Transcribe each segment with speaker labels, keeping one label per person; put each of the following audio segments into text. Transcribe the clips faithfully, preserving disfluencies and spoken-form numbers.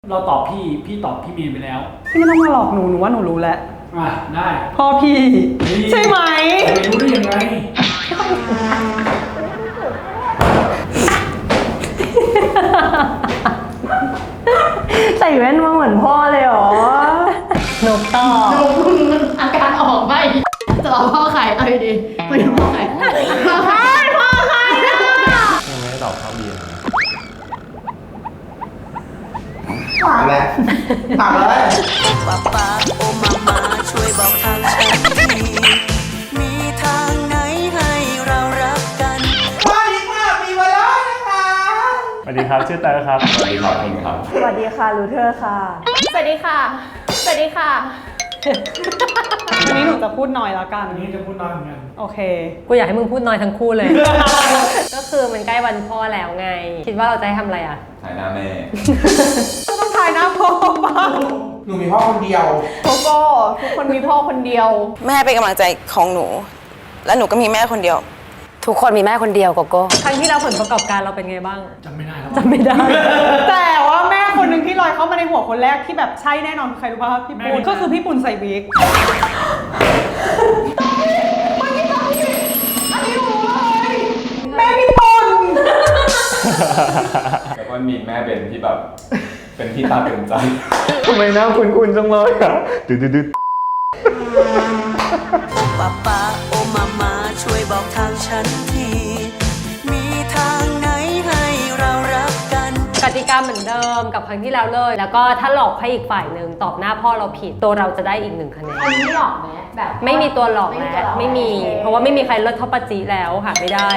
Speaker 1: เราตอบพี่พี่ตอบพี่เมย์ไปแล้ว
Speaker 2: พี่ไม่ต้องมาหลอกหนูหนูว่าหนูรู้แล้ว
Speaker 1: อ่ะได้
Speaker 2: พ่อพี่ใช่ไหม
Speaker 1: ไม่รู้ได้ยังไง
Speaker 3: ใส่แว่นมาเหมือนพ่อเลยเหรอหนูตอบ
Speaker 4: หนูอาการออกไม่จะรอพ่อใครเอาดีๆไม่รู้พ่อใครพ่อใครพ่อใครอ่ะ
Speaker 5: ยังไม่ได้ตอบข้าวเบียร์
Speaker 6: ถามเลยถามเลย
Speaker 7: ป๊าป๊าโอมามาช่วยบอกทางฉันทีมีทางไหนให้เรารักกัน
Speaker 6: สวัสดีค่ะมีมาแล้วนะคะ
Speaker 5: สวัสดีครับชื่อเตอร์ครับสวัสดีครับคุณครับ
Speaker 3: สวัสดีค่ะรูเทอร์ค่ะ
Speaker 4: สวัสดีค่ะสวัสดีค่ะ
Speaker 2: วันนี้หนูจะพูดน้อยแล้วกัน
Speaker 1: อันนี้จะพูดน้อยเหมือนกัน
Speaker 2: โอเค
Speaker 8: กูอยากให้มึงพูดน้อยทั้งคู่เลย ก็คือมันใกล้วันพ่อแล้วไงคิดว่าเราจะให้ทำอะไรอ่ะ
Speaker 5: ถ่ายหน้าแม่
Speaker 2: ก็ต้องถ่ายหน้าพ่อบ้าง
Speaker 6: หนูมีพ่อคนเดียว
Speaker 4: โกโก้ทุกคนมีพ่อคนเดียว
Speaker 7: แม่เป็นกำลังใจของหนูและหนูก็มีแม่คนเดียว
Speaker 8: ทุกคนมีแม่คนเดียวโกโก้ครั้งที่เราผลประกอบการเราเป็นไงบ้าง
Speaker 1: จำไม่ได้แล้ว
Speaker 8: จำไม่ได้
Speaker 2: แต่ว่าแม่คนหนึ่งที่ลอยเข้ามาในหัวคนแรกที่แบบใช่แน่นอนใครรู้ป่ะพี่ปุณก็คือพี่ปุณใส่วิกแม่พี่ปุณ
Speaker 5: แล้วก็มีแม่เบนที่แบบเป็นที่ตาเป็นใจทำไมหน้าคุ้นๆจังเลยอ่ะดืดๆ
Speaker 7: ป๊าป๊าโอมามาช่วยบอกทางฉันทีมีทางไหนให้เรารักกัน
Speaker 8: กติกาเหมือนเดิมกับครั้งที่แล้วเลยแล้วก็ถ้าหลอกให้อีกฝ่ายหนึ่งตอบหน้าพ่อเราผิดตัวเราจะได้อีกหนึ่งคะแนน
Speaker 4: อันนี้หลอกไหมแบบ
Speaker 8: ไม่มีตัวหลอกแล้วไม่มีเพราะว่าไม่มีใครเลิศเท่าปาจีแล้วหาไม่ได้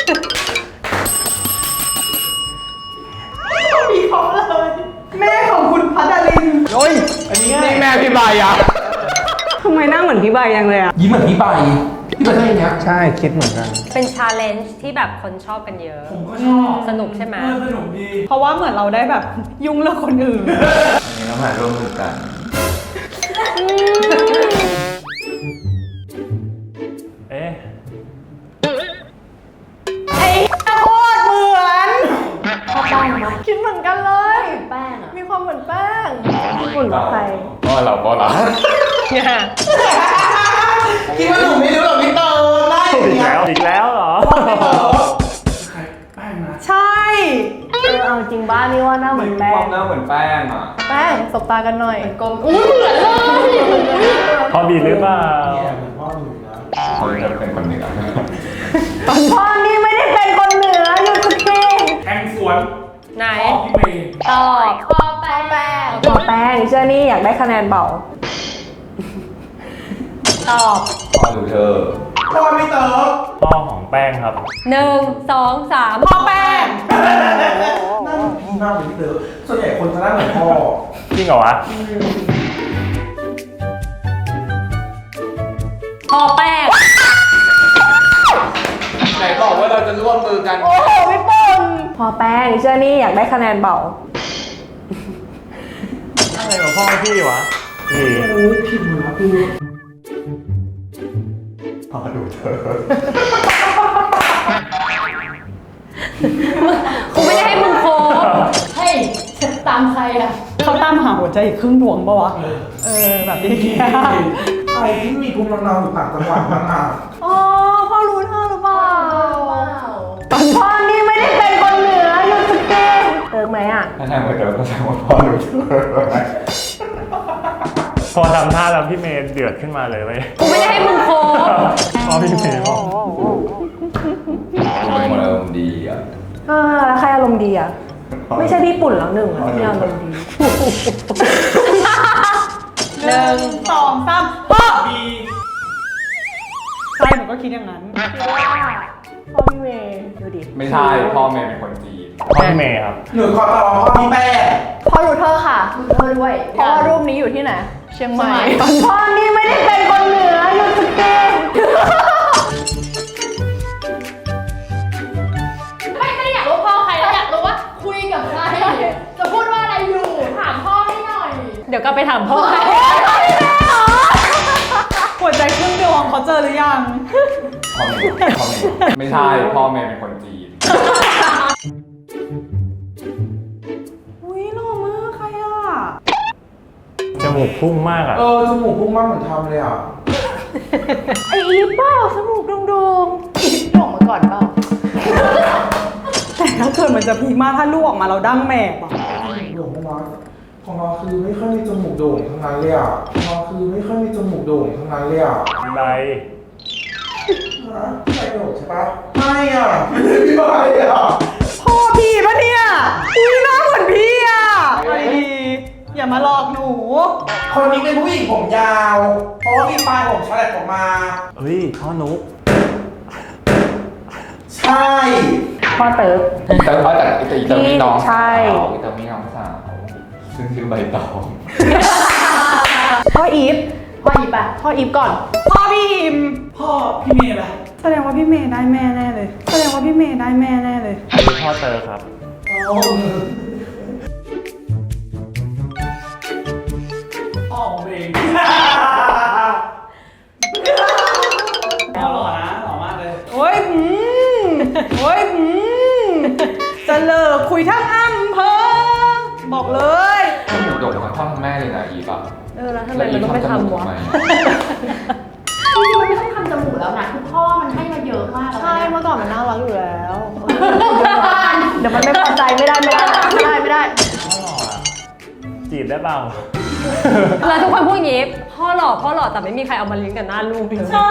Speaker 2: มีเขาเลยแม่ของคุณพัดดาริน
Speaker 6: โอ้ยอันนี้นี่แม่พี่ใบอ่ะ
Speaker 3: ทำไมหน้าเหมือนพี่ใบยังเลยอ่ะ
Speaker 6: ยิ้มเหมือนพี่ใบพี่ใบใช่ไหมใช่คิดเหมือนกัน
Speaker 8: เป็นชาเลนจ์ที่แบบคนชอบกันเยอะ
Speaker 1: ผมก็ชอบ
Speaker 8: สนุกใช่ไหม
Speaker 1: สนุกดี
Speaker 2: เพราะว่าเหมือนเราได้แบบยุ่งเรื่องคนอื่น
Speaker 5: อันนี้เรามาร่วมมือกันเอ๊ะ
Speaker 2: ไอ้โคตรเหมือน
Speaker 4: พ่อแป้งไหมคิดเหมือนกันเลยแป้งอ่ะมีความเหมือนแป้ง
Speaker 3: เหมือนใคร
Speaker 5: พ่อเราพ่อเรา
Speaker 8: เนี่ย
Speaker 6: คิดว่าหนูไม่รู้หรอกพี่เตอร์ได้
Speaker 5: อีกแล้วอีกแล้วเหรอ
Speaker 1: ใครแป้งนะ
Speaker 2: ใช่
Speaker 3: เออเอาจริงบ้านนี่ว่าหน้าเหมือนแป้
Speaker 5: ค
Speaker 3: ง
Speaker 5: วามหน้าเหมือนแป้งอ่ะ
Speaker 4: แป้งสบตากันหน่อยกลมอุ้ยเหมือนเลย
Speaker 5: พ่อบีหรือเปล่า
Speaker 1: เนี่ยเหมือนพ่อหนูนะ
Speaker 5: เขาจะเป็นคนเหนือ
Speaker 3: พ่อนี่ไม่ได้เป็นคนเหนืออยู่สุดที่
Speaker 1: แทงสวน
Speaker 8: ไหน
Speaker 1: พี่เมย์
Speaker 8: ตอบ
Speaker 4: พ่อแป้ง
Speaker 3: พ่อแป้งเชื่อนี่อยากได้คะแนนเบา
Speaker 8: ตอบ
Speaker 5: พ่อดูเธอ
Speaker 6: พ่อพี่เตอร์
Speaker 5: พ่อของแป้งครับ
Speaker 8: หนึ่งสองสาม
Speaker 2: พ่อแป้ง
Speaker 6: หน้าเหมือนพี่มากเลยพี่เตอร์ส่วนใหญ่คนจะหน้าเหมือนพ่อ
Speaker 5: จริงเหรอวะ
Speaker 8: พ่อแป้ง
Speaker 5: ไหนบอกว่าเราจะร่วมมือกัน
Speaker 3: โอ้โหพี่ปุณพ่อแป้งเชื่อนี่อยากได้คะแนนเบา
Speaker 5: อะไรของพ่อพี่วะพี่
Speaker 1: ผิดหมดแล้วพี่
Speaker 5: พ่อดูเธอ
Speaker 8: กูไม่ได้ให้มึงโคบ
Speaker 4: เฮ้ยตามใครอ่ะ
Speaker 2: เขาตามหาหัวใจอีกครึ่งดวงปะวะเออแบบนี้
Speaker 6: ใครที่มีภูมิลำเนาอยู่ต่างจังหวัดบ้างอ่ะ
Speaker 2: อ๋อพ่อรู้เธอหรือเปล่า
Speaker 3: พ่อนี่ไม่ได้เป็นคนเหนืออยู่สุดที่เติมไหมอ่ะ
Speaker 5: ถ้าทำเหมือนเดิมก็แสดงว่าพ่อดูเธอพอทำท่าแล้วพี่เมย์เดือดขึ้นมาเลยเว้ย
Speaker 8: กูไม่ได้ให้มึงโคบ
Speaker 5: พ่อพี่เมย์บอกเป็นคนอารมณ์ดีอ่ะ
Speaker 3: อ่าแล้วใครอารมณ์ดีอ่ะไม่ใช่พี่ปุ่นแล้วหนึ่งอ่ะที่อารมณ์ดี
Speaker 2: หนึ่งสองสามพ่อบีใช่หนูก็คิดอย่างนั้น
Speaker 3: คิดว่าพ่อพี่เมย์ดูดิ
Speaker 5: ไม่ใช่พ่อเมย์เป็นคนจีนพ่อพี่เมย์ครับ
Speaker 6: หนูขอตอบพ่อพี่แป้ง
Speaker 4: พ่อรูเทอร์ค่ะรูเทอร์ด้วยเพราะว่ารูปนี้อยู่ที่ไหนเชียงใหม่
Speaker 3: พ่อนี่ไม่ได้เป็นคนเหนืออยู่สุดที่
Speaker 4: ไม่ไม่ได้อยากรู้พ่อใครแล้วอยากรู้ว่าคุยกับใครจะพูดว่าอะไรอยู่ถามพ่อให้หน่อย
Speaker 8: เดี๋ยวก็ไปถามพ่อ
Speaker 2: หัวใจครึ่งดวงเขาเจอหรือยัง
Speaker 5: พ่อเมย์พ่อเมย์ไม่ใช่พ่อเมย์เป็นคนจีน
Speaker 2: อุ้ยหล่อมากใครอ่ะ
Speaker 5: มูกพุ่งมากอ่ะ
Speaker 6: เออจมูกพุ่งมากเหมือนทำเลยอ่ะ
Speaker 3: ไออีฟเปล่าจมูกโด่ง
Speaker 4: อีฟโด่งมาก่อนเปล่า
Speaker 2: แต่ถ้าเกิดมันจะพีคมากถ้าลูกออกมาเราดั้งแม่อะ
Speaker 6: โด่งมากของเราคือไม่ค่อยมีจมูกโด่งทั้งนั้นเลยอ่ะของเราคือไม่ค่อยมีจมูกโด่งทั้งนั้นเลยอ่ะ
Speaker 5: อะไร
Speaker 6: ฮะพี่ใบโด่งใช่ปะไม่อ่ะไม่ใช่พี่ใบอ่ะ
Speaker 2: พ่อพี่ปะเนี่ยอุ้ยหน้าเหมือนพี่อ่ะอะไรดีอย่ามาหลอกหนู
Speaker 6: คนนี้เป็นผู้หญิงผมยาว เพราะว่ามีปลายผมฉลับออกมา
Speaker 5: เฮ้ยพ่อนุ๊ก
Speaker 6: ใช่
Speaker 3: ๆพ่อเติร์ก
Speaker 5: แต่ว่าแต่แต่อีเตอร์มีน้อง
Speaker 3: ใช่
Speaker 5: สาวอีเตอร์มีน้องสาวซึ่งชื่อใบตอง
Speaker 3: พ่ออีฟ
Speaker 4: พ่ออีฟปะพ่ออีฟก่อน
Speaker 2: พ่อพี่อิม
Speaker 1: พ่อพี่เมย์ล่ะ
Speaker 2: แสดงว่าพี่เมย์ได้แม่แน่เลย แสดงว่าพี่เมย์ได้แม่แน่เลย
Speaker 5: คือพ่อเตอร์ครับ
Speaker 1: พ่อผมเองหล่อนะหล่อมากเลย
Speaker 2: โอ้ยอืมโอ้ยอืมจะเลิกคุยทั้งอำเภอบอกเลย
Speaker 5: จมูกโด่งทั้งพ่อทั้งแม่เลยนะอีฟอ่ะ
Speaker 8: เออแล้วทำไมมันต้องไปทำวะ
Speaker 4: จริงๆมันไม่ต้องทำจมูกแล้วนะคือพ่อมันให้มาเยอะมากแล้ว
Speaker 3: ใช่
Speaker 4: เนี่ย
Speaker 3: เมื่อก่อนมันน่ารักอยู่แล้ว เดี๋ยวมันไม่พอใจไม่ได้ไม่ได้
Speaker 4: ไม่ได้ไม่ได้
Speaker 5: จีบได้เปล่า
Speaker 8: แล้วทุกคนพูดอย่างงี้พ่อหล่อพ่อหล่อแต่ไม่มีใครเอามาลิงก์กับหน้าลูกเลย
Speaker 2: ใช่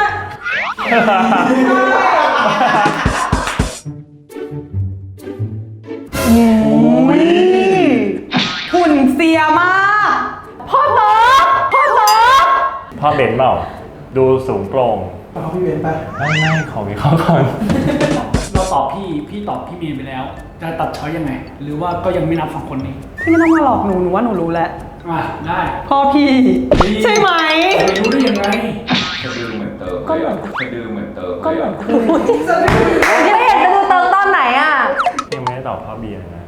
Speaker 2: หุ่นเสียมาก
Speaker 3: พ่อเติร์กพ่อเติร์ก
Speaker 5: พ่อเบนเปล่า ดูสูงโปร่ง
Speaker 6: เอาพี่เวนไป
Speaker 5: ไม่ไม่ขอวิเคราะห์ก่อน
Speaker 1: เราตอบพี่ พี่ตอบพี่เมย์ไปแล้ว จะตัดช้อยยังไง หรือว่าก็ยังไม่นับสองคนนี้
Speaker 2: พี่ไม่ต้องมาหลอกหนูหนูว่าหนูรู้แล้ว
Speaker 1: อ่ะได้
Speaker 2: พ่อพี่ ใช่ไหม
Speaker 1: ไม่รู้ได้ยังไง
Speaker 5: จะดูเหมือนเติม
Speaker 3: ก็เหมือน
Speaker 5: จะดูเหมือนเติม
Speaker 3: ก็เหมือนคุณไม่เห็นจะดูเติร์กตอนไหนอ่ะ
Speaker 5: ยังไม่ได้ตอบพ่อเบียร์นะ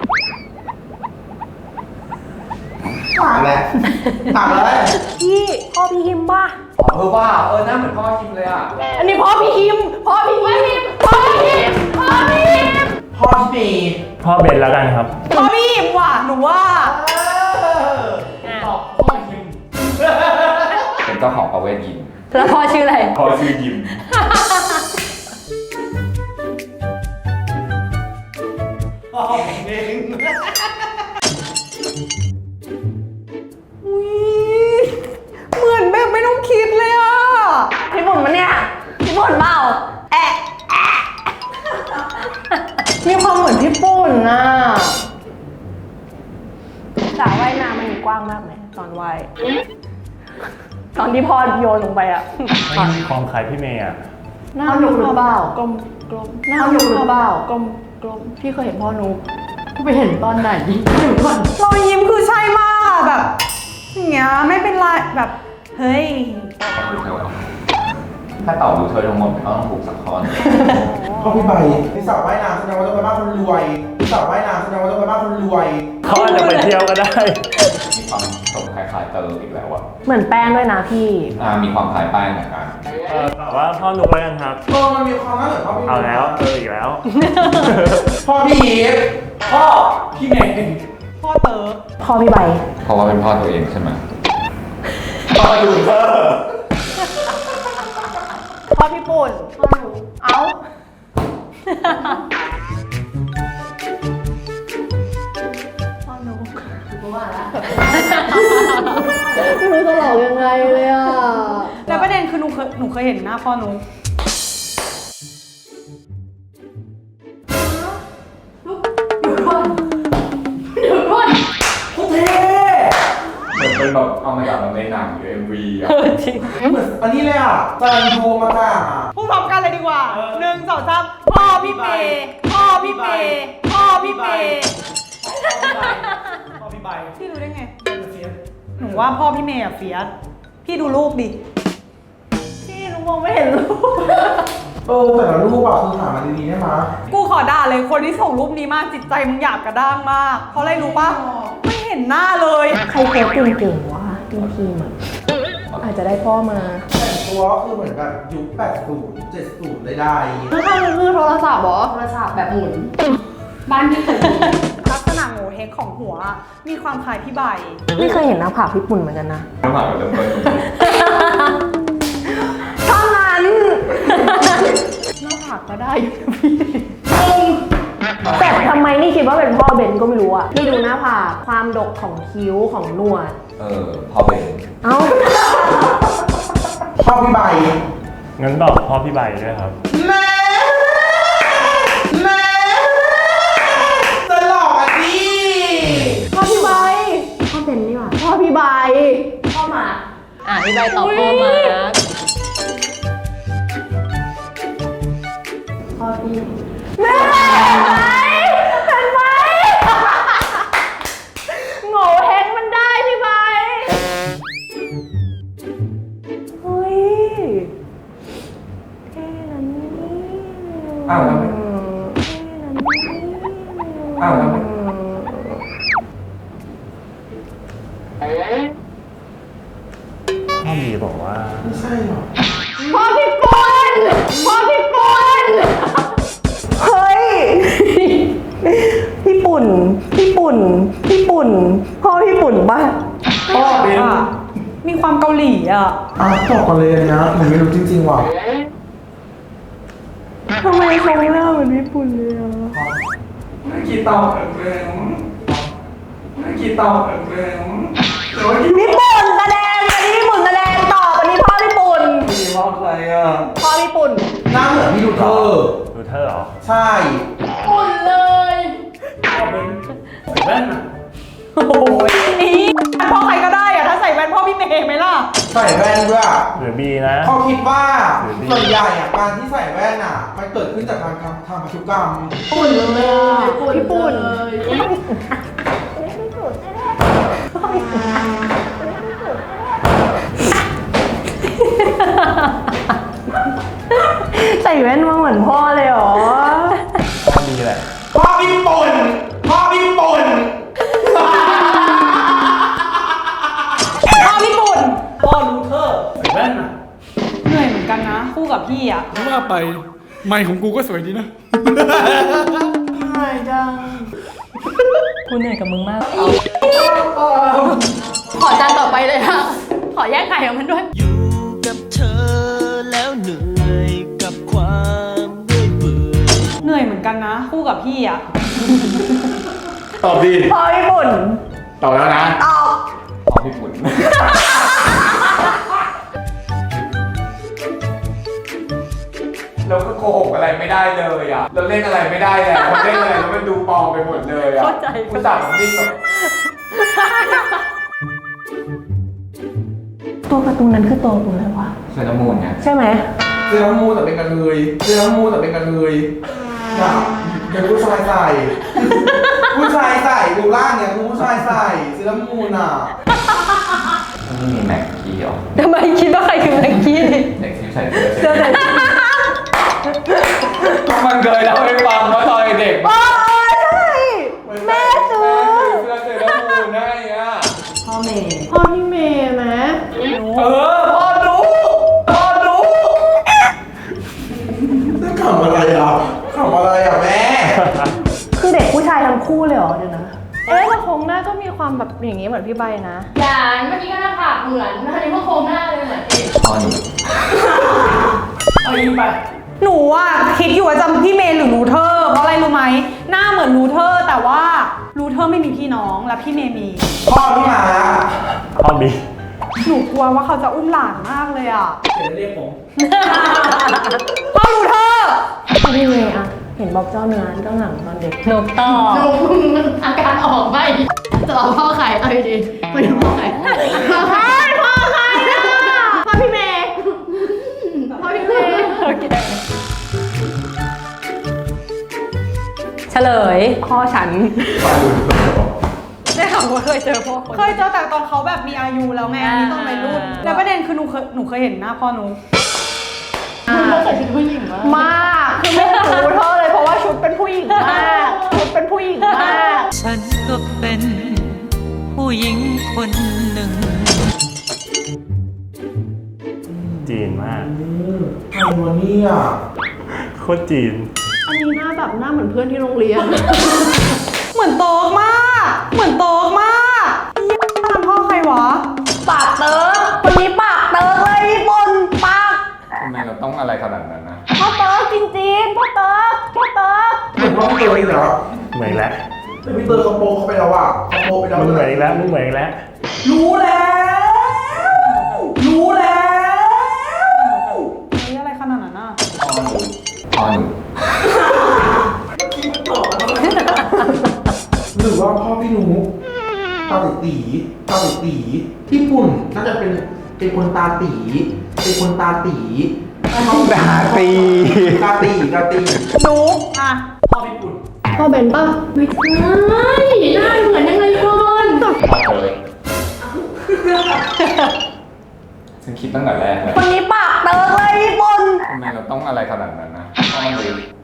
Speaker 6: ถามแล้วถามเลย
Speaker 3: พี่พ่อพี่ฮิมป่ะ
Speaker 5: เออว่าเออหน้าเหมือนพ่อคิมเลยอ่ะ
Speaker 3: อันนี้พ่อพี่ฮิมพ่อพี่ฮิมพ่อพี่ฮิมพ่อพี่ฮิม
Speaker 6: พ่อที่เมย์
Speaker 5: พ่อเบนแล้วกันครับ
Speaker 2: พ่อพี่อิมว่ะหนูว่า
Speaker 1: ตอบพ่อยิม
Speaker 5: เป็นเจ้าของประเวทยิม
Speaker 8: แล้วพ่อชื่ออะไร
Speaker 5: พ่อชื่อยิม
Speaker 1: พ่อผมเอง
Speaker 2: อุ๊ยเหมือนแบบไม่ต้องคิดเลยอ่ะ
Speaker 3: พี่บุญมันเนี่ยพี่บุญเปล่าแอะแอะมีความเหมือนพี่ปุ่นน่ะสระว่ายน้ำมันมีกว้างมากไหมตอนว่ายตอนที่พ่อโยนลงไปอ่ะ
Speaker 5: ไม่มีความคล้ายพี่เมย์อ่ะ
Speaker 3: หน้า
Speaker 4: พ่อนุกหรือเปล่าก
Speaker 3: ลมกลม
Speaker 4: พ่อนุกหรือเปล่าก
Speaker 3: ลมกลม
Speaker 4: พี่เคยเห็นพ่อนุกไปเห็นตอนไหนดิเดี๋ยวก่อน
Speaker 2: รอยยิ้มคือใช่มากแบบอย่างเงี้ยไม่เป็นไรแบบเฮ้ย
Speaker 5: ถ้าตอบรู้เธอทั้งหมดก็ต้องถูกสักข้อหนึ่ง
Speaker 6: พ่อพี่ใบพี่สาวว่ายน้ำแสดงว่าต้องไปบ้านคนรวยพี่สาวว่ายน้ำแสดงว่าต้องไปบ้านคนรวย
Speaker 5: เขาอาจจะไปเที่ยวก็ได้ มีความตรงคล้ายๆเติมอีกแล้วอ่ะ
Speaker 3: เหมือนแป้งด้วยนะพี่
Speaker 5: อ่ามีความคล้ายแป้งเหมือนกันเออแต่ว่าพ่อนุ๊กแล้วกันครับ
Speaker 6: เออมันมีความน่าเหมือนพ่อพี่
Speaker 5: เอาแล้วเอออีกแล้ว
Speaker 6: พ่อพี่อีฟ
Speaker 1: พ่อพี่เมย์
Speaker 2: พ่อเติร์ก
Speaker 3: พ่อพี่ใบ
Speaker 5: เพราะว่าเป็นพ่อตัวเองใช่ไหม
Speaker 6: พ่อดูเธอ
Speaker 3: พ่อพี่ปุ่น
Speaker 4: พ่อนุก
Speaker 3: เอ้า
Speaker 4: พ่อนุกกูว่าละไม่รู้จะหลอกยังไงเลยอ่ะ
Speaker 2: แล้วประเด็นคือหนูเคยหนูเคยเห็นหน้าพ่อหนู
Speaker 4: เดี๋ยวก่อนเดี๋ยวก่อน
Speaker 6: โคตรเท่
Speaker 5: เหมือนเป็นแบบเอามาจากในหนังหรือเอ็มวีอ่ะ
Speaker 8: จริง
Speaker 6: เหมือนอันนี้เลยอ่ะจานดูมาก่ะ
Speaker 2: พูดพร้อมกันเลยดีกว่าหนึ่งสองสามพ่อพี่เปย์พ่อพี่เปย์พ่อพี่เปย์
Speaker 1: พ่อพี่ใบ
Speaker 2: พี่รู้ได้ไง
Speaker 1: เฟียส
Speaker 2: หนูว่าพ่อพี่เมย์อะเฟียสพี่ดูลูกดิ
Speaker 3: พี่หนูมองไม่เห็นรูป
Speaker 6: เออแต่ละรูปอ่ะคือหามาดีๆได้ไหมย
Speaker 2: กูขอด่าเลยคนที่ส่งรูปนี้มากจิตใจมึงหยาบกระด้างมาก เพราะอะไรรู้ปะไม่เห็นหน้าเลย
Speaker 3: ใครโพสเก่งๆวะทีมทีมอ่ะอาจจะได้พ่อมา
Speaker 6: แต่งตัวก็คือเหมือนแบบยุคแปดสิบ เจ็ดสิบได้
Speaker 4: ข้างๆมันคือโทรศัพท์เหรอโทรศัพท์แบบหมุน บ้านที่เคยมี
Speaker 2: ลักษณะงงงเฮงของหัว มีความคล้ายพี่ใบ
Speaker 3: ไม่เคยเห็นหน้าผากพี่ปุ่นเหมือนกันนะ
Speaker 5: น้ำหมากมันเริ่มต้นตรงนี้
Speaker 3: เท่านั้น
Speaker 2: หน้าผากก็ได้อยู่นะพี่
Speaker 3: แต่ทำไมนี่คิดว่าเป็นพ่อเบนก็ไม่รู้อะนี่ดูหน้าผากความดกของคิ้วของหนวด
Speaker 5: เออพอเป็น
Speaker 3: เอ้า
Speaker 6: พ่อพี่ใบ
Speaker 9: งั้นตอบพ่อพี่ใบด้วยครับ
Speaker 6: แม่แม่จะหลอกอ่ะดิ
Speaker 2: พ่อพี่ใบ
Speaker 3: พ่อเบนนี่หว่า
Speaker 2: พ่อพี่ใบ
Speaker 3: พ่อหมา
Speaker 8: อ่ะพี่ใบตอบพ่อมา
Speaker 3: พ่อพี่แม่เห็นไหมโง่เฮงมันได้พี่ใบเฮ้ยเท่นะนี่
Speaker 6: อ้าวแล้วไม่
Speaker 3: เท่นะนี่
Speaker 6: อ้าวแล้วไม่
Speaker 9: พ่อมีบอกว่า
Speaker 6: ไม่ใช่หรอ
Speaker 3: พ่อพี่ปุ่นพ่อพี่ปุ่นเฮ้ย พี่ปุ่น พี่ปุ่น พี่ปุ่น พ่อพี่ปุ่นป่ะ
Speaker 6: พ่อเป็น
Speaker 2: อ่ะมีความเกาหลีอ่ะ
Speaker 6: อ้าวตอบกันเลยนะหนูไม่รู้จริงๆว่ะ
Speaker 3: ทำไมเขาหน้าเหมือนพี่ปุ่นเลยอ่ะ
Speaker 6: ไม่คิดตอบเองไม่คิดตอบเองแต่ว่าคิด
Speaker 3: พี่ปุ่นแสดงอันนี้พี่ปุ่นแสดงตอบอันนี้พ่อพี่ปุ่น
Speaker 6: ดีว่าใครอ่ะ
Speaker 3: พ่อพี่ปุ่น
Speaker 6: หน้าเหมือนพี่ดูเธอ
Speaker 9: ดูเธอเหรอ
Speaker 6: ใช่
Speaker 4: อุ่นเลย
Speaker 1: พ่อเป็นแว่นอะ
Speaker 2: โอ้โหอีพ่อใครก็ได้อ่ะถ้าใส่แว่นพ่อพี่เมย์ไหมล่ะ
Speaker 6: ใส่แว่นด้วย
Speaker 9: หรือบีนะ
Speaker 6: เขาคิดว่า
Speaker 9: หรือดี
Speaker 6: ส่วนใหญ่อะการที่ใส่แว่นอะมันเกิดขึ้นจากการทำทำพันธุกรรม
Speaker 4: อุ่นเลยพี่ปุ่นเลย
Speaker 3: ใส่แว่นมาเหมือนพ่อเลยเหรอ
Speaker 9: พ่อมีแหละ
Speaker 6: พ่อพี่ปุ่นพ่อพี่ปุ่น
Speaker 2: พ่อพี่ปุ่น
Speaker 1: พ่อรูเทอร์ใส่แว่นอะ
Speaker 2: เหนื่อยเหมือนกันนะ คู่กับพี่อ่ะ
Speaker 1: ถ้าว่าไปไมค์ของกูก็สวยดีนะ
Speaker 3: กูเหนื่อยกับมึงมาก
Speaker 4: ขอจานต่อไปเลยค่ะ ขอแยกไข่ของมันด้วย
Speaker 7: อยู่กับเธอแล้วเหนื่อยกับความเรื่อยเปื่อย
Speaker 2: เหนื่อยเหมือนกันนะ คู่กับพี่อ่ะ
Speaker 5: ตอบดี
Speaker 3: พ่อพี่ปุ่น
Speaker 5: ตอบแล้วนะ
Speaker 3: ตอบ
Speaker 5: พอพี่ปุ่น เราก็โกหกอะไรไม่ได้เลยอ่ะ เราเล่นอะไรไม่ได้แล้วเราเล่นอะไรแล้วมันดูปลอมไปหมดเลยอ่ะ
Speaker 3: เข้าใจ
Speaker 5: คุณจับผมนิ่งแบบ
Speaker 3: ตัวการ์ตูนนั้นคือตัวกูเลยวะ
Speaker 5: เซรามูนไง
Speaker 3: ใช่ไหม
Speaker 6: เซรามูแต่เป็นกระเทยเซรามูแต่เป็นกระเทยอย่าอย่าผู้ชายใส่ ผู้ชายใส่ดูร่างเนี่ยคือผู้ชายใส่เซรามูนอ่ะ
Speaker 5: นี่มีแม็กกี้เหรอ
Speaker 3: ทำไมคิดว่าใครคือแม็กกี้
Speaker 5: เด็กที่ใส่เสื้อ
Speaker 3: เสื้อใส่
Speaker 5: มันเคยเล่าให้ฟังว่าตอนเด็ก
Speaker 3: โอ้ยใช่แม่ซื้อ
Speaker 5: เสื้อเซรามูนให้อ่ะ
Speaker 3: พ่อเมย์
Speaker 4: พ่อพี่เมย์ไหม
Speaker 6: เออพ่อรู้พ่อรู้จะขำอะไรอ่ะขำอะไรอ่ะแม่
Speaker 3: คือเด็กผู้ชายทั้งคู่เลยเหรอเดี๋ยวนะ
Speaker 4: เอ๊ะแต่โครงหน้าก็มีความแบบอย่างนี้เหมือนพี่ใบนะอย่าเมื่อกี้ก็หน้าผากเหมือนอันนี้ก็โครงหน้าเลยเหมือนเอง
Speaker 5: พ่อหนู
Speaker 1: เอาอีกไป
Speaker 2: หนูอ่ะคิดอยู่ว่าจำพี่เมย์หรือรูเทอร์เพราะอะไรรู้ไหมหน้าเหมือนรูเทอร์แต่ว่ารูเทอร์ไม่มีพี่น้องและพี่เมย์มี
Speaker 6: พ่อพี่หมา
Speaker 9: พ่อมี
Speaker 2: หนูกลัวว่าเขาจะอุ้มหลานมากเลยอ่ะ
Speaker 1: เดี๋ยวเรียกผม
Speaker 2: พ่อรูเทอร์
Speaker 3: พ่อพี่เมย์อะเห็นบอกเจ้าเนื้อเจ้าหนังตอนเด็ก
Speaker 8: นกต่อ
Speaker 4: หนูมันอาการออกไม่จะเอาพ่อไข่เอาดีๆไม่ใช่พ่อไข่พ่อไข่พ่อไข่พ่อพี่เมย์พ่อพี่เมย์
Speaker 8: เฉลย
Speaker 3: พ่อฉัน
Speaker 2: ได้ข่าวว่าเคยเจอพ่อเคยเจอแต่ตอนเขาแบบมีอายุแล้วไงอันนี้ตอนวัยรุ่นแล้วประเด็นคือหนูเคยหนูเคยเห็นหน้าพ่อหนู
Speaker 4: เขาใส่ชุดผู้หญิงมาก
Speaker 3: มากคือไม่รู้เธอเลยเพราะว่าชุดเป็นผู้หญิงมากชุดเป็นผู้หญิงมาก
Speaker 7: ฉันก็เป็นผู้หญิงคนหนึ่ง
Speaker 9: จีนมาก
Speaker 6: ใครวะเนี่ย
Speaker 9: โคตรจีน
Speaker 4: อันนี้หน้าแบบหน้าเหมือนเพื่อนที่โรงเรียน
Speaker 2: เหมือนโตมากมือนโต๊กมากยี่ทำพ่อใครวะ
Speaker 3: ปากเติร์กคนนี้ปากเติร์กเลยพี่ปุ่นปาก
Speaker 5: ทำไมเราต้องอะไรขนาดนั้นนะ
Speaker 3: พ่อเติร์กจริงๆพ่อเติร์กพ่อเติร์ก
Speaker 6: เหมือนว่าพี่เตยเหรอ
Speaker 9: เหมือนอีกแล้ว
Speaker 6: แต่พี่เตยเขาโปเข้าไปแล้วอ่ะเขาโปไปแล้ว
Speaker 9: มึงเหมือนอีกแล้วมึงเหมือนอีกแล้ว
Speaker 2: รู้แล้ว รู้แล้วเฮ้ยอะไรขนาดนั้นอ่ะ
Speaker 5: พ่อหนู
Speaker 6: หรือว่าพ่อพี่หนูตาตีตาตีที่ปุ่นน่าจะเป็นเป็นคนตาตีเป็นคนตาตี
Speaker 5: ตาตี
Speaker 6: ตาตีตาตี
Speaker 2: นุ๊กอ่ะ
Speaker 1: พ่อพี่ปุ่น
Speaker 4: พ่อเบนป่ะไม่ใช่หน้าเหมือนยังไงก่อน
Speaker 5: พ่อเลยฉันคิดตั้งแต่แรกเลย
Speaker 3: คนนี้ปากเติร์กเลยพี่ปุ่น
Speaker 5: ทำไมเราต้องอะไรขนาดนั้นนะพ่อหนู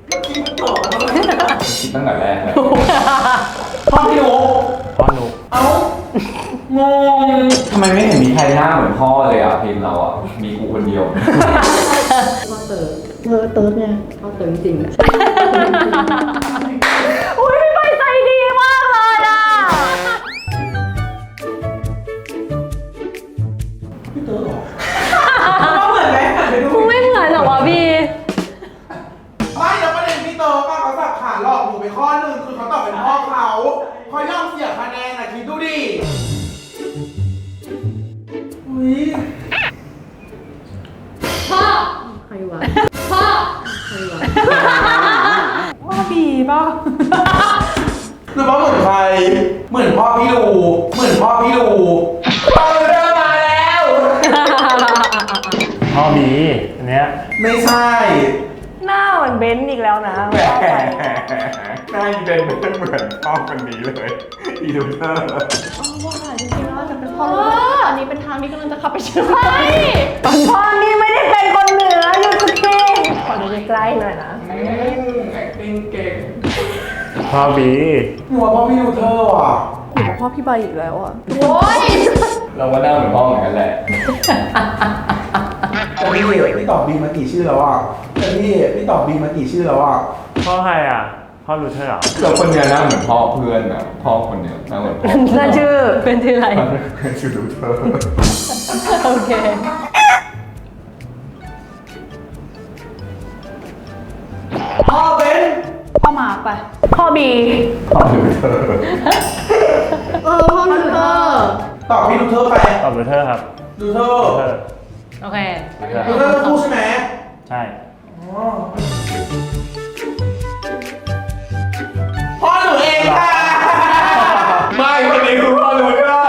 Speaker 5: ฉันคิดตั้งแต่แรกเลย
Speaker 6: พ่อพี่หนู
Speaker 9: พ่อหนุก
Speaker 6: เอ้างง
Speaker 5: ทำไมไม่เห็นมีใครหน้าเหมือนพ่อเลยอ่ะทีมเราอ่ะมีกูคนเดียว
Speaker 4: พ่อเติร์เออเติร์กไงพ่อเติร์จริงๆอะ
Speaker 3: อุ้ยพี่ใบใจดีมากเลยอ่ะ
Speaker 6: พี่เตยเหรอ
Speaker 2: ก็เหมือนไหมหันไปดู
Speaker 8: มึงไม่เหมือนเหรอวะบี
Speaker 6: ไม่แล้วประเด็นพี่เตยป้าเขาสับขาหลอกหนูไปข้อหนึ่งคือเขาตอบเป็นพ่อเขาเขายอมเสียคะแนนนะคิดดูดิอุ้ย
Speaker 4: พ่อใครวะพ่อใครวะ
Speaker 2: ว่าบีป่ะ
Speaker 6: หรือว่าเหมือนใครเหมือนพ่อพี่ลูเหมือนพ่อพี่ลูพ่อเดินมาแล้ว
Speaker 9: พ่อบีอันเนี้ย
Speaker 6: ไม่ใช่
Speaker 3: หน้าเหมือนเบนซ์อีกแล้วนะ
Speaker 5: แหมหน้าอีเดนเป็นเหมือนพ่อคนนี้เลยอีดูเตอร์
Speaker 4: ว่าจริงๆแล้วจะเป็นพ่อรู้อันนี้เป็นทางที่กำลังจะขับไปเชียงใหม่
Speaker 3: พ่อนี่ไม่ได้เป็นคนเหนืออยู่สุดที่ขอดูใกล้ๆหน่อยนะ
Speaker 6: acting เก่ง
Speaker 9: พ่อบี
Speaker 6: หนูว่าพ่อพี่ลูเธอว่ะ
Speaker 3: พ่อพี่ใบอีกแล้วอ่ะ
Speaker 4: โอ้ย
Speaker 5: เราว่าหน้าเหมือนพ่อเหมือนกันแหละ
Speaker 6: แต่พี่พี่ตอบบีมากี่ชื่อแล้วอ่ะแต่พี่พี่ตอบบีมากี่ชื่อแล้วอ่ะ
Speaker 9: พ่อใครอ่ะ พ่อลูเทอร์เหรอ
Speaker 5: เราคนเนี้ยหน้าเหมือนพ่อเพื่อนนะพ่อคนเนี้ยหน้าเหมือนพ่อ
Speaker 3: นั่นชื่อ
Speaker 8: เป็นที่ไร
Speaker 5: เพื่อนชื่อดูเธอ
Speaker 8: โอเค
Speaker 6: พ่อเป็น
Speaker 2: พ่อมาร์คไป
Speaker 3: พ่อบี
Speaker 5: พ่อดูเธอ
Speaker 4: เออพ่อรู้เออ
Speaker 6: ตอบพี่ลูเธอไป
Speaker 9: ตอบลูเทอร์ครับ
Speaker 6: ลูเธอ
Speaker 9: ลูเทอร์
Speaker 8: โอเค
Speaker 6: ลูเธอพูดใช่ไหม
Speaker 9: ใช่
Speaker 6: พ่อหนูเองค่ะ
Speaker 5: ไม่คนนี้คือพ่อดูเธอ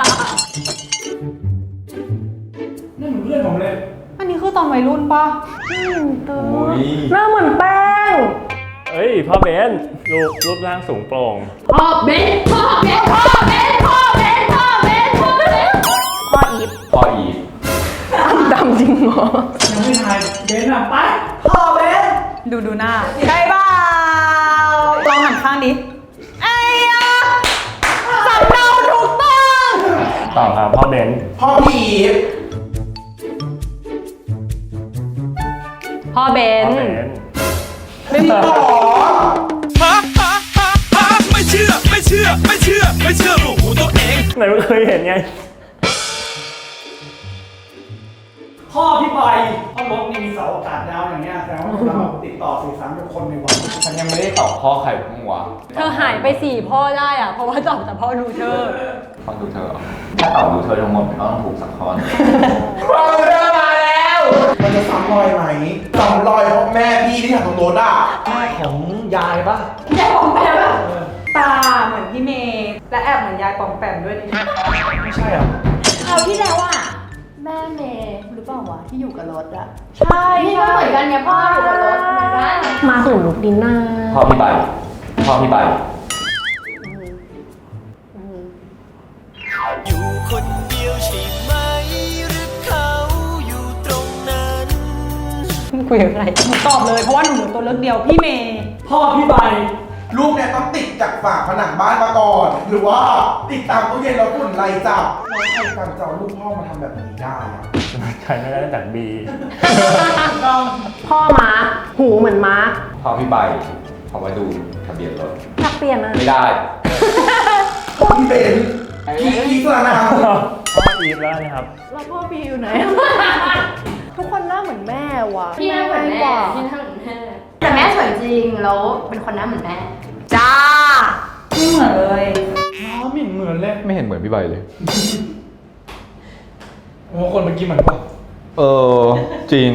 Speaker 1: นั่นเหมือนเพื่อนผมเลย
Speaker 2: อันนี้คือตอนวัยรุ่นป่ะ
Speaker 5: โอ้ย
Speaker 3: หน้าเหมือนแป้ง
Speaker 9: เอ้ย พ่อเบนรูปรูปร่างสูงโปร่ง
Speaker 4: พ่อเบนพ่อเบนพ่อเบนพ่อเบนพ่อเบนพ่อเบน
Speaker 3: พ่ออีฟ
Speaker 5: พ่ออีฟ
Speaker 3: ดำจริงเหรอ
Speaker 1: ยังไม่ทายเบนอ่ะไป
Speaker 2: พ่อเบนดูดูหน้าใช่เปล่าลองหันข้างดิไอ้ยะสำเนาถูกต้อง
Speaker 9: ตอบครับพ่อเบน
Speaker 6: พ่อพี่อีฟ
Speaker 8: พ่อเบ
Speaker 9: พ่
Speaker 8: น
Speaker 9: อเบน
Speaker 6: ไม่มีต่อ
Speaker 10: ไม่เชื่อ ไม่เชื่อ ไม่เชื่อ ไม่เชื่อหูตัวเอง
Speaker 9: ไหนไม่เคยเห็นไง
Speaker 1: พ่อพี่ใบพ่อรถนี่มีเสาอากาศยาวอย่างเงี้ยแต่ว่าผมแบบติดต่อสื่อสารกับคนในวัน
Speaker 5: ฉันยังไม่ได้ตอบพ่อใครบ้างวะ
Speaker 8: เธอหายไปสี่พ่อได้อ่ะ เพราะว่าตอบแต่พ่อลูเทอร์
Speaker 5: พ่อดูเธอเหรอถ้าตอบดูเธอทั้งหมดมันก็ต้องถูกสักข้อหนึ่ง
Speaker 6: พ่อเดินมาแล้ว มันจะซ้ำรอยไหมซ้ำรอยเพราะแม่พี่ที่ถังตรงรถอ่ะแม่ของยายปะ
Speaker 4: ยายผมแปลว่า
Speaker 2: ตาเหมือนพี่เมย์และแอบเหมือนยายปอมแปมด้วยดิ
Speaker 6: ไม่ใช่อ่ะ
Speaker 4: เอาที่แล้วอ่ะแม่เมย์หรือเปล่าวะที่อยู่กับรถอ่ะ
Speaker 2: ใช่
Speaker 4: นี่ก็เหมือนกันไงพ่ออยู่กับรถเหมือนกัน
Speaker 3: มาถึงลุกดินหน้า
Speaker 5: พ่อพี่ใบพ่อพี่ใบ
Speaker 7: อยู่คนเดียวใช่ไหมหรือเขาอยู่ตรงนั้น
Speaker 8: คุยกับใคร
Speaker 2: หนูตอบเลยเพราะว่าหนูเหลือตัวเลือกเดียวพี่เมย์
Speaker 1: พ่อพี่ใบ
Speaker 6: ลูกเนี่ยต้องติดจากฝาผนังบ้านมาก่อน หรือว่าติดตามตู้เย็นแล้วฝุ่นไล่จับแล้วใครการจะเอาลูกพ่อมาทำแบบนี้ได้อะ
Speaker 9: ใครไม่ได้จากบี
Speaker 3: พ่อมาร์คหูเหมือนมาร์ค
Speaker 5: พ่อพี่ใบเขามาดูทะเบียนรถ
Speaker 3: อยากเปลี่ยนอ่ะ
Speaker 5: ไม่ได้
Speaker 2: พ
Speaker 6: พี่เบนพี่พี่กลางน้
Speaker 9: พ่ออีฟแล้วนะครับ
Speaker 4: แล้วพ่อปีอยู่ไหน
Speaker 3: ทุกคนหน้าเหมือนแม่ว่ะ
Speaker 4: พี่หน้าเหมือนแม่พี่หน้าเหมือนแม่แต่แม่สวยจริงแล้วเป็นคนหน้าเหมือนแม่
Speaker 2: จ้าไม่เหมือนเลย
Speaker 1: อ๋อไม่เหมือนเลย
Speaker 5: ไม่เห็นเหมือนพี่ใบเลย
Speaker 1: โอ้คนเมื่อกี้เหมือนป่ะ
Speaker 5: เออ จริง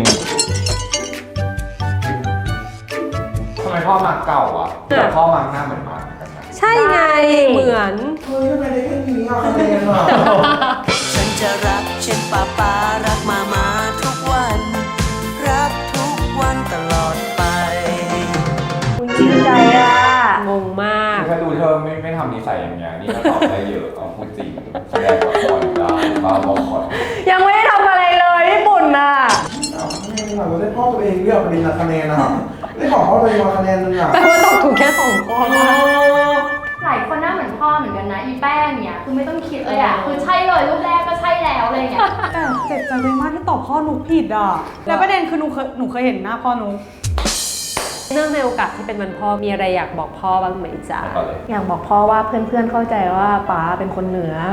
Speaker 5: ทำไมพ่อมาเก่าอ่ะ แต่พ่อมาหน้าเหมือนมาเหมือนกันนะ
Speaker 8: ใช่ไงเหมือน
Speaker 6: ำเฮ้ยทำไมได้แค่นี้อ่ะคะแนนอ่ะ
Speaker 7: ฉันจะรักเช่นป้าป้ารักมามาทุกวัน รักทุกวันตลอดไป
Speaker 3: คุณจริงใจอ่ะ
Speaker 8: งงมาก
Speaker 5: ถ้าดูเธอไม่ไม่ทำนิสัยอย่างเงี้ยนี่ก็ตอบได้เยอะเอาพูดจริงแสดงละครได้บ้าบอคอน
Speaker 3: ยังไม่ได้ทำอะไรเลยญี่ปุ่นน่ะ
Speaker 6: เอาคะแนนอ่ะเราได้พ่อตัวเองเลือกประเด็นละคะแนนอ่ะได้ของพ่อตัวเองมาคะแนนนึงอ่ะ
Speaker 8: แปลว่าตอบถูกแค่สองข้อ
Speaker 4: หลายคนหน้าเหมือนพ่อเหมือนกันนะอีแป้งเนี่ยคือไม่ต้องคิดเลยอ่ะคือใช่เลยรูปแรกก็ใช่แล้วอะไรอย่างเงี้ย
Speaker 2: แต่เจ็บใจเลยมากที่ตอบพ่อนุกผิดอ่ะ แล้วประเด็นคือหนูเคยหนูเคยเห็นหน้าพ่อนุก
Speaker 8: เนื่องในโอกาสที่เป็นวันพ่อมีอะไรอยากบอกพ่อบ้างไหมจ๊ะ
Speaker 5: ก่อนเลย
Speaker 3: อยากบอกพ่อว่าเพื่อนๆเข้าใจว่าป๋าเป็นคนเหนือ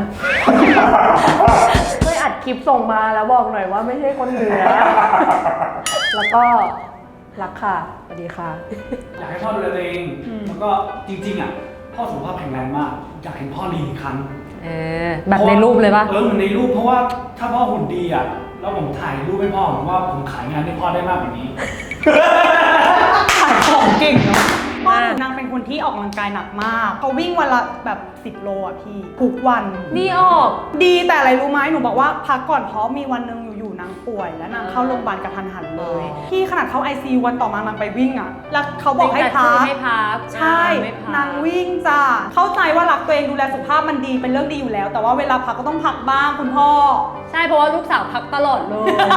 Speaker 3: ช่วยอัดคลิปส่งมาแล้วบอกหน่อยว่าไม่ใช่คนเหนือ แล้วก็รักค่ะสวัสดีค่ะ
Speaker 1: อยากให้พ่อดูแลตัวเองแล้วก็จริงๆอ่ะพ่อสุขภาพแข็งแรงมากอยากเห็นพ่อลีนอีกครั้ง
Speaker 8: เออแบบในรูปเลยปะ
Speaker 1: เออเหมือนในรูปเพราะว่าถ้าพ่อหุ่นดีอ่ะแล้วผมถ่ายรูปให้พ่อผมว่าผมขายงานให้พ่อได้มากกว่านี้
Speaker 2: ขายของเก่งเนาะพ่อหนูนางเป็นคนที่ออกกำลังกายหนักมากเขาวิ่งวันละแบบสิบโลอ่ะพี่ทุกวัน
Speaker 8: นี่ออก
Speaker 2: ดีแต่อะไรรู้ไหมหนูบอกว่าพักก่อนเพราะมีวันหนึ่งอยู่ๆนางป่วยแล้วนางเข้าโรงพยาบาลกระทันหันเลย
Speaker 8: อ๋อ
Speaker 2: พี่ขนาดเข้า ไอ ซี ยู วันต่อมานางไปวิ่งอ่ะแล้วเขาบอกให้พัก
Speaker 8: ให้พัก
Speaker 2: ใช่
Speaker 8: ไม่พัก
Speaker 2: นางวิ่งจ้าเข้าใจว่ารักตัวเองดูแลสุขภาพมันดีเป็นเรื่องดีอยู่แล้ว แต่ว่าเวลาพักก็ต้องพักบ้างคุณพ่อ
Speaker 8: ใช่เพราะว่าลูกสาวพักตลอดเลย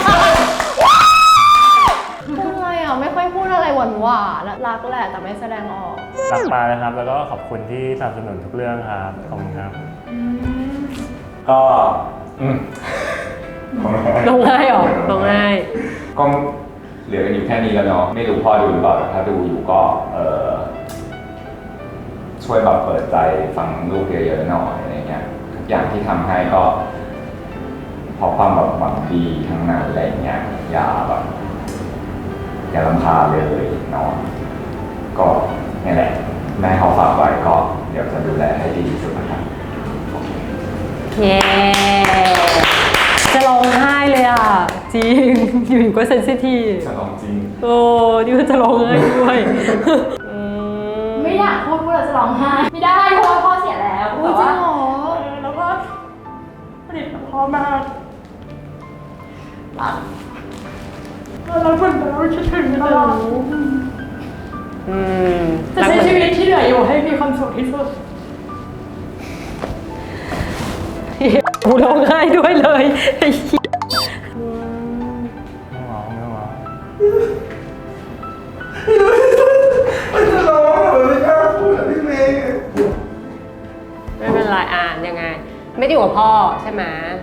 Speaker 3: พูดอะไรอ่ะ ไม่ค่อยพูดอะไรหวานหวานๆรักแหละแต่ไม่แสดงออก
Speaker 9: รักปลานะครับ แล้วก็ขอบคุณที่สนับสนุนทุกเรื่องครับ ขอบคุณครับ
Speaker 5: ก็อืม
Speaker 8: ร้องไห้เหรอร้องไห้
Speaker 5: ก็เหลือกันอยู่แค่นี้แล้วเนาะไม่รู้พ่อดูหรือเปล่าแต่ถ้าดูอยู่ก็เออช่วยแบบเปิดใจฟังลูกเยอะๆหน่อยอะไรเงี้ยทุกอย่างที่ทำให้ก็เพราะความแบบหวังดีทั้งนั้นอะไรเงี้ยอย่าแบบอย่ารำคาญเลยเนาะก็นี่แหละแม่เขาฝากไว้ก็เดี๋ยวจะดูแลให้ดีที่สุดนะครับ
Speaker 8: เย้จะร้องไห้เลยอ่ะ จริง อยู่ๆก็เซนซิทีฟ
Speaker 5: จะลองจริง
Speaker 8: โอ้นี่ก็จะร้องไห้ด้วยอืม
Speaker 4: ไม่อยากพูดพูดเราจะร้องไห้ไม่ได้เพราะว่าพ่อเสียแล้วแต่ว่า
Speaker 2: แล้วก็ผลิตพ่อมากรักแล้วเหมือนเราคิดถึงตลอด
Speaker 8: อืม
Speaker 2: จะใช้ชีวิตที่เหลืออยู่ให้มีความสุขที่สุด
Speaker 8: กูร้องไห้ด้วยเลยไอ้เหี้ย
Speaker 9: ไม่ร้องไม่ร้อง
Speaker 6: ไม่จะร้องเหรอไม่กล้าพูดอ่ะพี่เมย์
Speaker 8: ไม่เป็นไรอ่านยังไง ไม่ได้อยู่กับพ่อใช่ไหม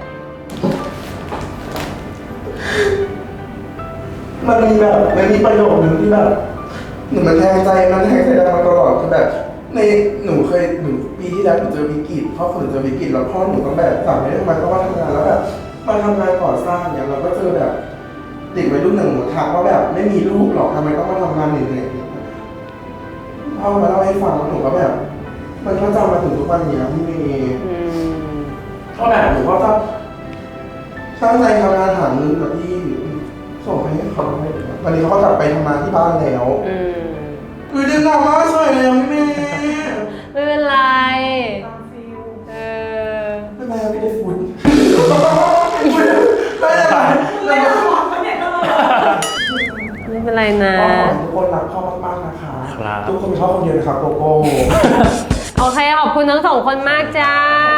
Speaker 6: มันมีแบบมันมีประโยคนึงที่แบบหนูมันแทงใจมันแทงใจเรามาตลอดคือแบบในหนูเคยหนูปีที่แล้วหนูเจอวิกฤตพ่อหนูเจอวิกฤตแล้วพ่อหนูต้องแบบสั่งให้ทำไมต้องมาทำงานแล้วแบบมาทำงานก่อสร้างเนี่ยเราก็เจอแบบเด็กวัยรุ่นหนึ่งหนูทักว่าแบบไม่มีลูกหรอกทำไมต้องมาทำงานเหนื่อยๆพ่อมาเล่าให้ฟังหนูก็แบบ มันก็จำมาถึงทุกวันนี้พี่เมย์
Speaker 8: อืม
Speaker 6: ก็แบบหนูก็จะตั้งใจทำงานหาเงินกับพี่ส่งให้เขาให้วันนี้เขาก็กลับไปทำงานที่บ้านแล้ว
Speaker 8: อืม
Speaker 6: อือดึงออกมาสวยเลยพี่เมย์
Speaker 8: ไม่เป็นไร เออ
Speaker 6: ไม่เป็นไรไม่ได้ฝุ่นไม่เป็นไร
Speaker 2: ไม่ได้หอมเนี่ยก็เลย
Speaker 8: ไม่เป็นไรนะ
Speaker 6: ก็ขอให้ทุกคนรักพ่อมากๆนะคะ
Speaker 9: ครับ
Speaker 6: ทุกคนชอบคนเดียวนะครับโกโก้
Speaker 8: โอเค ขอบคุณทั้งสองคนมากจ้า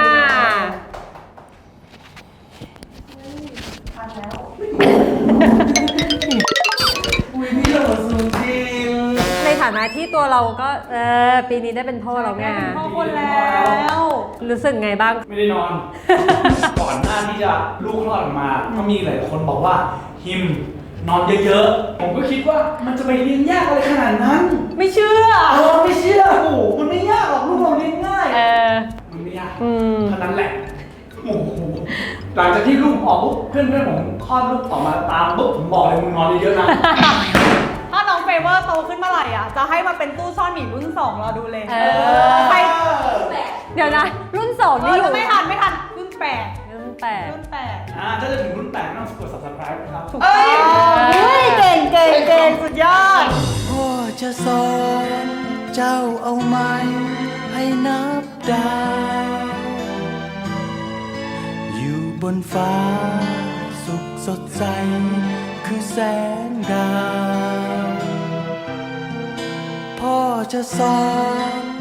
Speaker 6: อุ้ยพี่เหลือสูงจริง
Speaker 8: ในฐานะที่ตัวเราก็ เออ ปีนี้ได้เป็นพ่อแล้วไง
Speaker 2: พ่อคนแล้ว
Speaker 8: รู้สึกไงบ้าง
Speaker 1: ไม่ได้นอน ก่อนหน้าที่จะลูกคลอดออกมา ก็มีหลายคนบอกว่าฮิมนอนเยอะๆ ผมก็คิดว่ามันจะไปเลี้ยงยากอะไรขนาดนั้น
Speaker 2: ไม่เชื่อ
Speaker 1: เออไม่เชื่อโอ้โหมันไม่ยากหรอกลูกเราเลี้ยงง่าย
Speaker 8: เออ
Speaker 1: มันไม่ยาก
Speaker 8: อืม
Speaker 1: เท่านั้นแหละโอ้โหหลังจากที่ลูกออกปุ๊บเพื่อนเพื่อนๆผมคลอดลูกออกมาตามปุ๊บผมบอกเลยมึงนอนเยอะๆนะ
Speaker 2: ถ้าน้องเฟเวอร์โตขึ้นเมื่อไหร่อ่ะ จะให้มาเป็นตู้ซ่อนหมีรุ่นสองรอดูเลย
Speaker 8: เออ
Speaker 2: ใคร
Speaker 8: เดี๋ยวนะ รุ่นสอง
Speaker 2: เอ
Speaker 8: นี่
Speaker 2: อ
Speaker 8: อยู่
Speaker 2: จะไม่ทันไม่ทันรุ่นแปด
Speaker 8: รุ่นแปด
Speaker 2: รุ่นแปด
Speaker 1: อ่าถ้าจะถึงรุ่นแปดไม่ต้องกด subscribe ครับ
Speaker 2: ถูกต้องเฮ้ยเก่งเก่งเก่งสุดยอด
Speaker 7: พ่อจะสอนเจ้าเอาไหมให้นับดาว อยู่บนฟ้าสุขสดใสคือแสงดาว พ่อจะสอน